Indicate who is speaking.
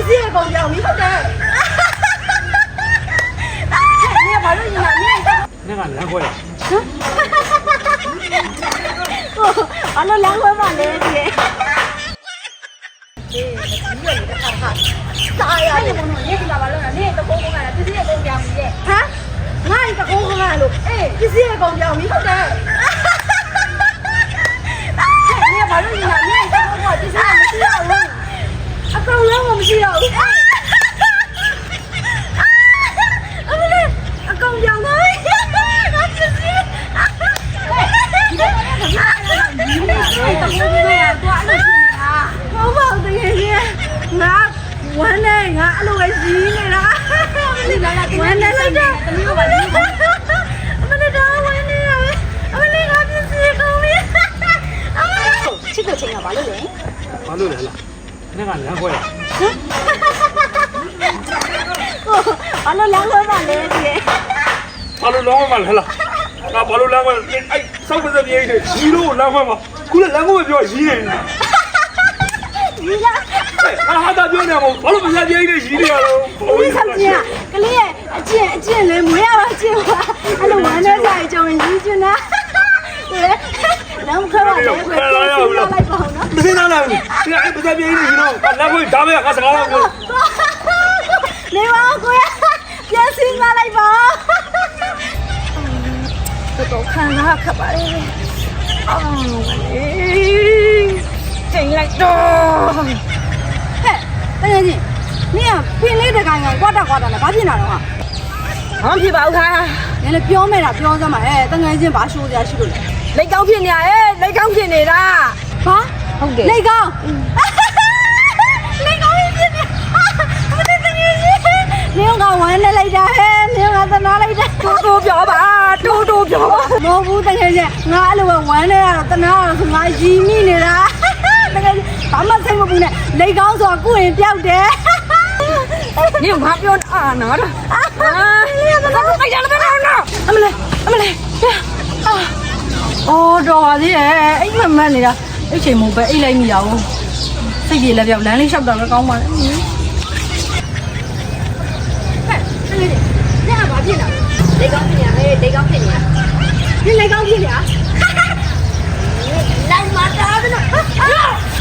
Speaker 1: စ္စည်းအကုန်ပြောင်းပြီဟုတ်တယ်你把这你拿你
Speaker 2: 那个两块呀，
Speaker 1: 完了2块半嘞姐啥呀你不能你知道吧了你都公公来了这些公标米的哈哪一个公公来了哎这些公标米ဟုတ်တယ်你把这你拿你公公这些我不要了အကောင်လုံး我မရှိတော့ဘူးအကောင်ပြောင်းသွားပြီငါချစ်စီဒီတော့လည်းခါရတာဒီနေ့တော့ဘယ်လိုလဲတော့အဲ့လိုဖြစ်နေတာဟုတ်ပါဘူးတကယ်ကြီးငါဝမ်းနေငါအဲ့လိုပဲကြီးနေတာမလေးလာလာဝမ်းနေလိုက်တာတမီးကပါကြီးအမလေးတော့ဝမ်းနေရပဲအမလေးငါပြစ်စီကုန်ပြီအမလေးချစ်တဲ့ချိန်ကဘာလို့လဲ
Speaker 2: 哪路来了？那个两块呀，
Speaker 1: ဘာလို့2块半လဲဒီ
Speaker 2: 哪路两块嘛来了？那哪路两块？哎，上不是便宜的，一路两块嘛，过来两块比较宜的。
Speaker 1: 你啦
Speaker 2: 哎，俺还打表呢嘛，哪路不是便宜的宜的了？
Speaker 1: 你看见啊？ကလေးရဲ့အကျင့်လေးမွေးရပါကျင့်ပါအဲ့လိုဝမ်းနေစားကြုံရည်ကျင်တာ2块半2块လိုက်ပါအောင်နော်
Speaker 2: 没拿来，这个哎不是便宜的宜了，俺两块打没？俺是俺两块。
Speaker 1: နေပါကိုရပြန်စင်းလာလိုက်ပါတော့ခံစားခက်ပါလေချိန်လိုက်တော့ဟဲ့တကယ်ကြီးနင်ကပင်လေးတကိုင်ကွာတာနဲ့ဘာဖြစ်နေတာတော့ဟာ
Speaker 3: ဘာဖြစ်ပါဘူးခါ
Speaker 1: နင်လည်းပြောမဲ့တာပြောစမ်းပါတကယ်ချင်းဘာရှိုးစရာရှိလို့လဲ
Speaker 3: လက်ကောင်းဖြစ်နေရလက်ကောင်းဖြစ်နေတာ
Speaker 1: ဘာဟုတ်တယ်လက်ကောင်းဖြစ်နေမတကယ်ကြီးနင်ကဝမ်းနေလိုက်တာဟဲ့နင်ကသနာလိုက်တာ
Speaker 3: တိုးပြောပါတိုးပြောပါ
Speaker 1: မဟုတ်ဘူးတကယ်ချင်းငါအဲ့လိုပဲဝမ်းနေရတော့သနာရတော့ငါရီမိနေတာတကယ်ဘာမှစိတ်မပူနဲ့လက်ကောင်းဆိုတာကုရင်ပြောက်တယ်
Speaker 3: နင်ဘာပြောအာနာတော့
Speaker 1: နင်ကသနာလိုက်ကြတယ်နော်အမလေးအော်တော်ပါသေးရဲ့အိမ်မက်နေတာအိတ်ချိန်မို့ပဲအိတ်လိုက်မိရအောင်စိတ်ပြေလက်ပြောက်လမ်းလေးလျှောက်တာလည်းကောင်းပါလေဟဲ့နင်ကဘာဖြစ်နေလဲလက်ကောင်းဖြစ်နေရလက်ကောင်းဖြစ်နေရနင်လက်ကောင်းဖြစ်နေရလိုက်မတားဘူးနော်